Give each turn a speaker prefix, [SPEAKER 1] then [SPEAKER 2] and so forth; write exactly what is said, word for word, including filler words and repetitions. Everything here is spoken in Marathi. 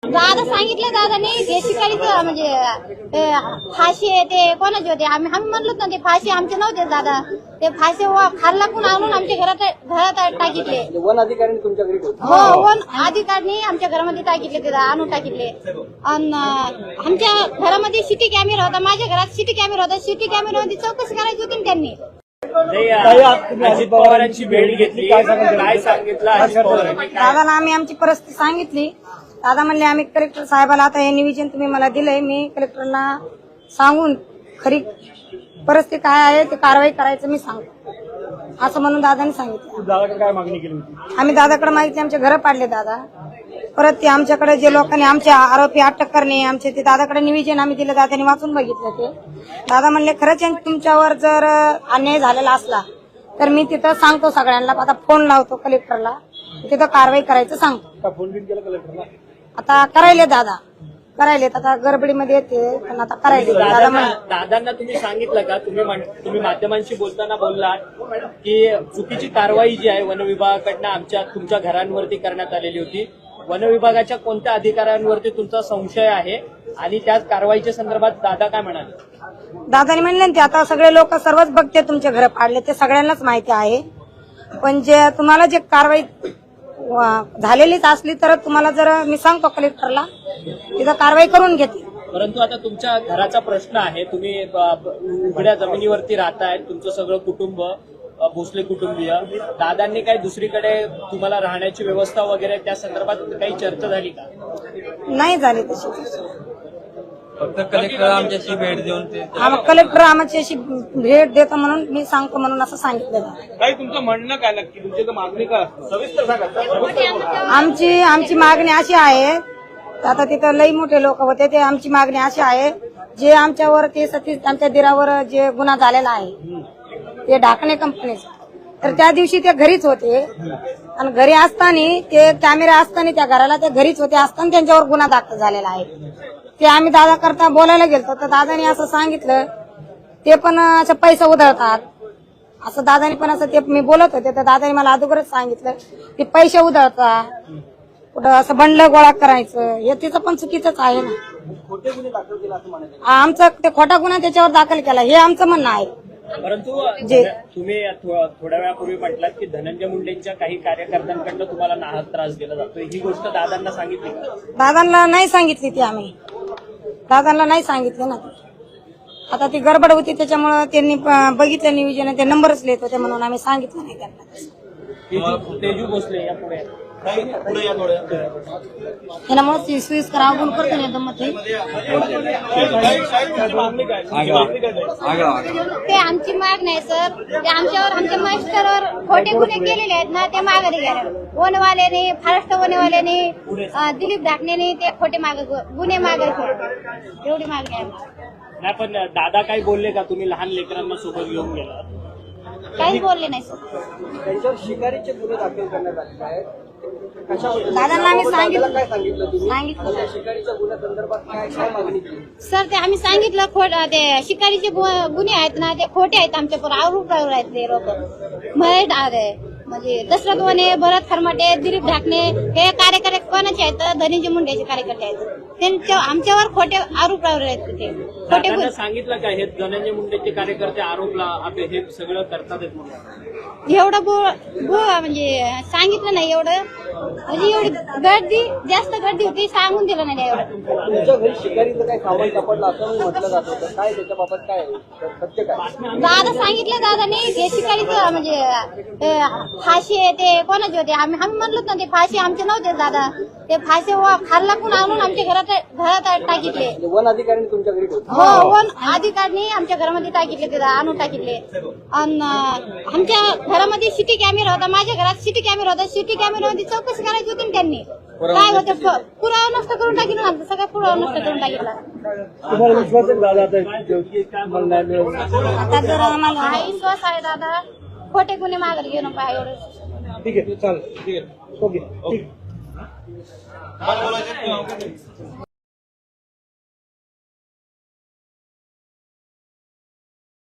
[SPEAKER 1] दादा सांगितलं दादाने ते शिकारीचं म्हणजे फाशी आहे ते कोणाचे होते आम्ही आम्ही म्हणलोच ना ते फाशी आमचे नव्हते दादा ते फाशी खाल्ला पण आणून आमच्या घरात घरात टाकितले
[SPEAKER 2] वन अधिकारी तुमच्या घरी
[SPEAKER 1] हो वन अधिकाऱ्यांनी आमच्या घरामध्ये टाकितले ते आणून टाकितले आणि आमच्या घरामध्ये सिटी कॅमेरा होता माझ्या घरात सिटी कॅमेरा होता सिटी कॅमेरामध्ये चौकशी करायची होती ना त्यांनी
[SPEAKER 3] अजित पवारांची भेट घेतली काय सांगितलं अजित पवारांनी
[SPEAKER 4] दादाला आम्ही आमची परिस्थिती सांगितली दादा म्हणले आम्ही कलेक्टर साहेबाला आता हे निवेदन तुम्ही मला दिलंय मी कलेक्टरला सांगून खरी परिस्थिती काय आहे ते कारवाई करायचं मी सांगतो असं म्हणून दादाने सांगितलं
[SPEAKER 3] दादाकडे काय मागणी केली होती
[SPEAKER 4] आम्ही दादाकडे मागितली आमचे घर पाडले दादा परत ते आमच्याकडे जे लोकांनी आमचे आरोपी अटक करणे आमचे ते दादाकडे निवेदन आम्ही दिलं दादाने वाचून बघितलं ते दादा म्हणले खरंच तुमच्यावर जर अन्याय झालेला असला तर मी तिथं सांगतो सगळ्यांना आता फोन लावतो कलेक्टरला तिथं कारवाई करायचं सांगतो
[SPEAKER 3] फोन बिन केला कलेक्टरला
[SPEAKER 4] आता करायले दादा करायले आता गडबडीमध्ये येते पण आता करायले दादा म्हण
[SPEAKER 3] दादांना तुम्ही सांगितलं का तुम्ही तुम्ही माध्यमांशी बोलताना बोललात की चुकीची कारवाई जी आहे वन विभागाकडनं आमच्या तुमच्या घरांवरती करण्यात आलेली होती वन विभागाच्या कोणत्या अधिकाऱ्यांवरती तुमचा संशय आहे आणि त्या कारवाईच्या संदर्भात दादा काय म्हणाले
[SPEAKER 4] दादाने म्हणले ते आता सगळे लोक सर्वच बघते तुमचे घर पाडले ते सगळ्यांनाच माहिती आहे पण जे तुम्हाला जे कारवाई झालेलीच असली तर तुम्हाला जर मी सांगतो कलेक्टरला तिथं कारवाई करून घेते
[SPEAKER 3] परंतु आता तुमच्या घराचा प्रश्न आहे तुम्ही उघड्या जमिनीवरती राहताय तुमचं सगळं कुटुंब भोसले कुटुंबीय दादांनी काही दुसरीकडे तुम्हाला राहण्याची व्यवस्था वगैरे त्या संदर्भात काही चर्चा झाली का
[SPEAKER 4] नाही झाली तशी
[SPEAKER 2] फक्त कलेक्टर आमच्याशी भेट देऊन ते
[SPEAKER 4] कलेक्टर आमची अशी भेट देतो म्हणून मी सांगतो म्हणून असं सांगितलं
[SPEAKER 3] काही तुमचं म्हणणं काय नक्की तुमची मागणी काय सविस्तर सांगा
[SPEAKER 4] आमची आमची मागणी अशी आहे आता तिथं लई मोठे लोक होते ते आमची मागणी अशी आहे जे आमच्यावर ते सतीश आमच्या दिरावर जे गुन्हा झालेला आहे ते ढाकणे कंपनीचा तर त्या दिवशी ते घरीच होते आणि घरी असताना ते कॅमेरा असताना त्या घराला ते घरीच होते असताना त्यांच्यावर गुन्हा दाखल झालेला आहे ते आम्ही दादा करता बोलायला गेलतो तर दादाने असं सांगितलं ते पण असं पैसा उधळतात असं दादाने पण असं ते मी बोलत होते तर दादाने मला अगोदरच सांगितलं ते पैसे उधळतात कुठं असं बंडल गोळा करायचं हे तिचं पण चुकीचंच आहे ना
[SPEAKER 2] खोटे गुन्हे दाखल केला असं म्हणाले
[SPEAKER 4] आमचं ते खोटा गुन्हा त्याच्यावर दाखल केला हे आमचं म्हणणं आहे
[SPEAKER 3] परंतु
[SPEAKER 4] जे
[SPEAKER 3] तुम्ही थोड्या वेळापूर्वी म्हटलात की धनंजय मुंडेंच्या काही कार्यकर्त्यांकडनं तुम्हाला नाहक त्रास दिला जातो ही गोष्ट दादांना सांगितली का
[SPEAKER 4] दादांना नाही सांगितली ती आम्ही दादांना नाही सांगितले ना आता ती गडबड होती त्याच्यामुळे त्यांनी बघितलं नियोजन ते नंबरच लिहित होते म्हणून आम्ही सांगितलं नाही त्यांना
[SPEAKER 3] तेजू भोसले या पुढे
[SPEAKER 4] त्यामुळे स्वीस करावं करतो ना मग
[SPEAKER 1] ते आमची माग नाही सर ते आमच्यावर आमच्या मास्टरवर खोटे गुन्हे केलेले आहेत ना ते मागे घ्या वनवाल्याने महाराष्ट्र वनवाल्याने दिलीप ढाकणेने ते खोटे मागे गुन्हे मागे एवढी मागणी आहे
[SPEAKER 3] नाही पण दादा काही बोलले का तुम्ही लहान लेकरांना सोबत घेऊन गेला
[SPEAKER 1] काहीच बोलले नाही सर
[SPEAKER 2] त्यांच्यावर शिकारीचे गुन्हे दाखल करण्यात आले आहेत
[SPEAKER 4] दादांना आम्ही सांगितलं
[SPEAKER 2] काय सांगितलं तुम्ही
[SPEAKER 4] सांगितलं
[SPEAKER 2] शिकारीच्या गुन्ह्यासंदर्भात काय काय मागणी केली
[SPEAKER 1] सर ते आम्ही सांगितलं खोट ते शिकारीचे गुन्हे आहेत ना ते खोटे आहेत आमच्या पण आरोप आहेत ते लोक महेश आहे म्हणजे दशरथ वने भरत खरमाटे दिलीप ढाकणे हे कार्यकर्ते कोणाचे आहेत धनंजय मुंडेचे कार्यकर्ते आहेत त्यांच्या आमच्यावर खोटे आरोप आहेत ते खोटे गुन्हे
[SPEAKER 3] सांगितलं का हे धनंजय मुंडेचे कार्यकर्ते आरोपला आपले हे सगळं करतात म्हणून
[SPEAKER 1] एवढं बो म्हणजे सांगितलं नाही एवढं म्हणजे एवढी गर्दी जास्त गर्दी होती सांगून दिलं नाही एवढं
[SPEAKER 2] तुमच्या घरी शिकारीचं काय सामान सापडलं असं म्हटलं जात होतं काय त्याच्याबाबत काय सत्य काय
[SPEAKER 1] दादा सांगितलं दादाने ते शिकारीचं म्हणजे फाशी आहे ते कोणाचे होते आम्ही आम्ही म्हणलोच ना ते फाशी आमचे नव्हते दादा ते फाशी खाल्ला पण आणून आमच्या घरात घरात टाकितले
[SPEAKER 2] वन अधिकारी तुमच्या घरी
[SPEAKER 1] हो वन अधिकाऱ्यांनी आमच्या घरामध्ये टाकितले ते आणून टाकितले आणि आमच्या घरामध्ये सिटी कॅमेरा होता माझ्या घरात सिटी कॅमेरा होता सिटी कॅमेरामध्ये चौकशी करायची होती ना त्यांनी काय होतं पुरावा नष्ट करून टाकिला ना सगळा पुरावा नष्ट करून टाकिला
[SPEAKER 3] तुम्हाला विश्वास आहे दादा
[SPEAKER 4] आता जर आम्हाला
[SPEAKER 1] हा विश्वास आहे दादा खोटे गुन्हे मागे घेऊन पाहिजे एवढं
[SPEAKER 3] ठीक आहे चालेल ठीक आहे ओके ठीक